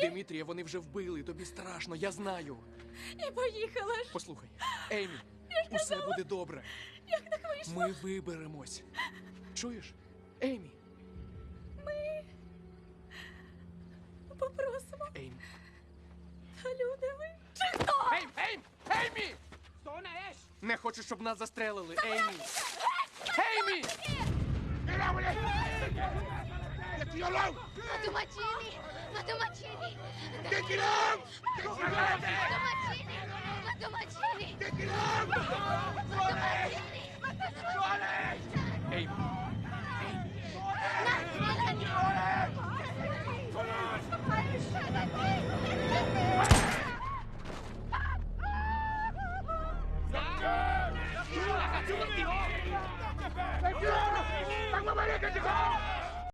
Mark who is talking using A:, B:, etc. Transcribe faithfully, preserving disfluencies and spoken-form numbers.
A: Димитрія вони вже вбили, тобі страшно, я знаю.
B: І поїхала ж.
A: Послухай, Емі, усе буде добре.
B: Як так вийшло?
A: Ми виберемось. Чуєш? Емі,
B: Попросимо.
A: Емі.
B: Та люди ви. Чи хто?
A: Ейм, Ейм, Емі! Не хочу, щоб нас застрелили, Емі. Еймі!
C: Матумачини! Матумачини! Матумачини! Матумачини! Матумачини!
A: Еймі!
C: На